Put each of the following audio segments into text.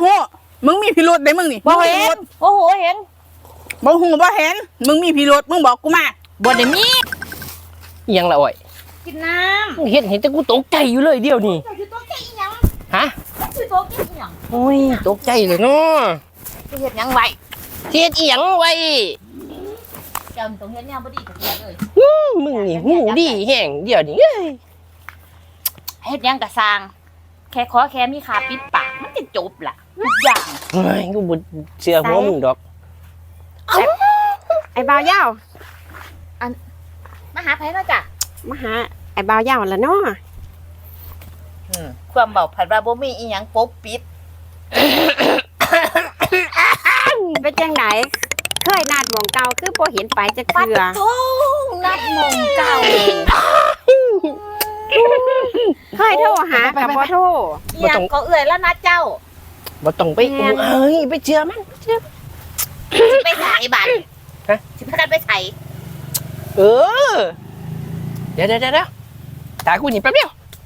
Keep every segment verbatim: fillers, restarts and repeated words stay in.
หูมึงมีพิรุธได้มึงนี่บ่เห็นโอ้โหเห็นบ่หูบ่เห็นมึงมีพิรุธมึงบอกกูมาบ่ได้มียังละอ่อยกินน้ำเห็นเห็นแต่กูตกใจอยู่เลยเดียวนี่ตกใจอีหยังฮะตกใจอีหยังโอ้ยตกใจเลยเนาะเฮ็ดหยังไว้เฮ็ดอีหยังไว้จำตรงเฮ็ดแนวบ่ดีกับเลยมึงนี่หูดีแห้งเดี๋ยวนี้เฮ็ดหยังกะสร้างแค่ขอแค่มีขาปิดปากมันจะจบล่ะทุกอย่างเฮ้ยกูบ่เชื่อหัวมึงดอกไอ้บ่าวยาวอันมาหาไผเนาะจ้ะมาหาไอ้บ่าวยาวล่ะเนาะอืมความเว้าผัดว่าบ่มีอีหยังปกปิดเป็นจังได๋เคยนัดหม่องเก่าคือบ่เห็นไปจักเทื่อโธ่นัดหม่องเก่าเคยโทรหากับบ่โทรอีหยังก็เอื้อยแล้วนะเจ้าบ่ต้องไปเอ้ยไปเชื่อมันเชื่อสิไปไสบัดฮะสิพากันไปไสเออเดี๋ยวเดี๋ยวเดี๋ยวตากูหนีแป๊บเดียว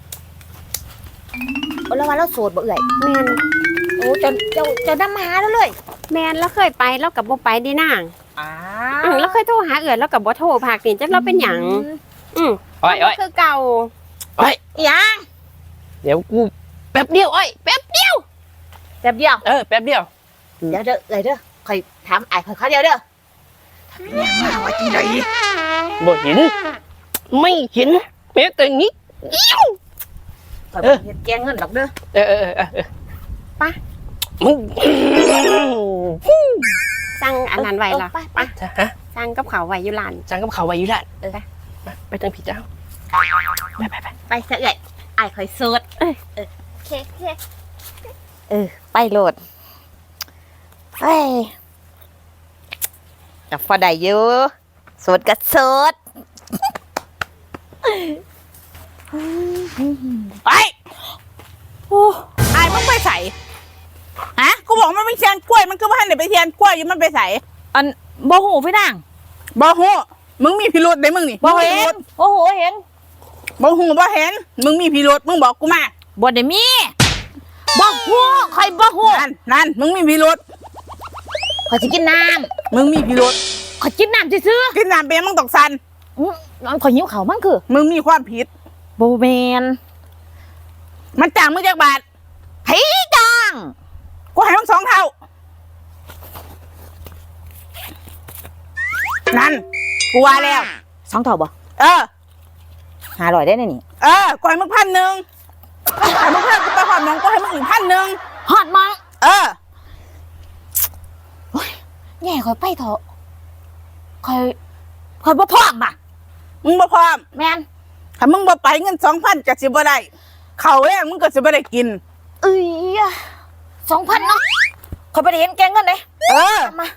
โอ้แล้วว่าเราโสดบ่เอื้อยแม่นโอ้เจ้าเจ้าเจ้านำมาหาแล้วเลยแม่นแล้วเคยไปแล้วก็บ่ไปดินางอ้าอือแล้วเคยโทรหาเอื้อยแล้วก็บ่โทรภาคนี่จักเราเป็นหยังอืออ้อยๆคือเก่าอ้อยหยังเดี๋ยวกูแป๊บเดียวอ้อยแป๊บเดียวแป๊บเดียวเออแป๊บเดียวเดี๋ยวเด้อเอ้ยเด้อค่อยถามอ้ายค่อยเขาเดียวเด้อทำหยังมาว่าจังได๋บ่เห็นไม่เห็นแม้แต่นิดเดียวค่อยบ่เฮ็ดแกงเงินดอกเด้อเออเออเออไปมึงสั่งอันนั้นไว้ล่ะไปฮะสั่งกับข้าวไว้อยู่ร้านสั่งกับข้าวไว้อยู่ร้านเออไปไปทางพี่เจ้าไปไปไปไปซะเอ้ยอ้ายค่อยโสดเออเออโอเคโอเคเออไปโลดไปกับพอได้อยู่โสดก็โสดไปโอ้อายมึงไปใส่ฮะกูบอกมันไปเทียนกล้วยมันก็ไม่ให้เดี๋ยวไปเทียนกล้วยอยู่มันไปใส่อันบ่หูพี่นางบ่หูมึงมีพิรุธได้มึงนี่บ่เห็นโอ้โหเห็นบ่หูบ่เห็นมึงมีพิรุธมึงบอกกูมาบ่ได้มีบ่หูใครบ่หูนั่นนั่นมึงมีพิรุธขอสิกินน้ำมึงมีพิรุธขอกินน้ำซื่อกินน้ำเป็นมึงตกสันน้องขอหิวเขามันคือมึงมีความผิดโบแมนมันจ้างมึงจากบาทให้จ้างกูให้มึงสองเท่านั่นกูว่าแล้วสองเท่าบ่เออหาร่อยได้นี่เออกูให้มึงพันหนึ่งให้มึงเพิ่มกูไปหอดน้องกูให้มึงอีกพันหนึ่งหอดมาเออแง่คอยไปเถอะคอยคอยบ่พร้อมอ่ะมึงบ่พร้อมแมนถ้ามึงบ่ไปเงินสองพันจะสิบ่ได้เขาแรงมึงก็สิบ่ได้กินเอ้ยสองพันเนาะคอยไปเห็นแกงเงินเลยเออมา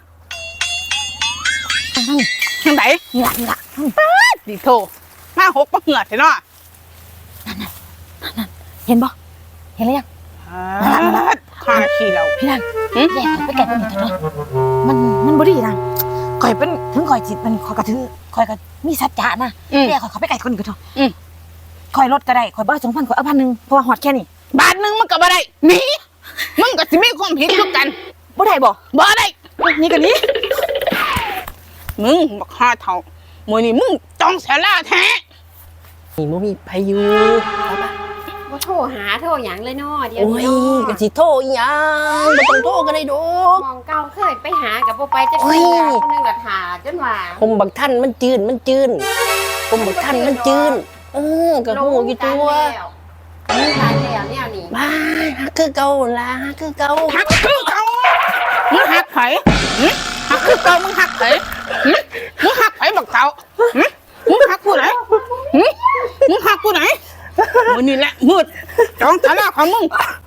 ทางไหนนี่ละนี่ละดิโทมาหกมาเหือดเห็นเนาะนั่นนั่นนั่นเห็นบ่เห็นหรือยังข้าขี้เราพี่นางแย่ไปแก่คนอื่นเถอะเนาะมันมันบ่ดีนะคอยเป็นถึงคอยจิตมันคอยกระถือคอยกระมีสัจจะนะแย่คอยเขาไปไก่คนอื่นเถอะคอยลดก็ได้คอยบ้าสองพันคอยเอาพันหนึ่งเพราะว่าหอดแค่นี้บาทหนึ่งมันก็บ่ได้หนีมึงก็สิมีความผิดทุกกันบ่ได้บ่บ่ได้นี่กันนี้มึงบักฮาเท่ามื้อนี้มึงจองเสียล่าแท้นี่บ่มีพายุบ่โทรหาโทรหยังเลยเนาะเดี๋ยวโอ้ยก็สิโทรอีหยังบ่ต้องโทรก็ได้ดอกมองเก่าเคยไปหากับบ่ไปจักเทื่อคนนึงก็ท่าจนว่าผมบักท่านมันจืนมันจืนผมบักท่านมันจืนเออก็ฮู้อยู่ตัวนี่ทานแล้วแนวนี้บ้าฮักคือเก่าล่ะฮักคือเก่าฮักคือเก่ามึงฮักไผฮักคือเก่ามึงฮักไผมึงฮักไผบักเต่ามึงฮักกูไหนมึงฮักกูไหนมื้อนี้แหละมืดจองศาลาของมึง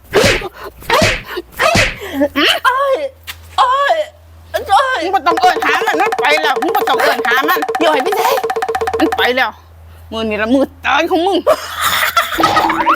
โอ้ยโอ้ยโอ้ยมึงบ่ต้องเอิ้นหามันมันไปแล้วมึงบ่ต้องเอิ้นหามันย่อยไปไสมันไปแล้วมื้อนี้ละมืดตายของมึง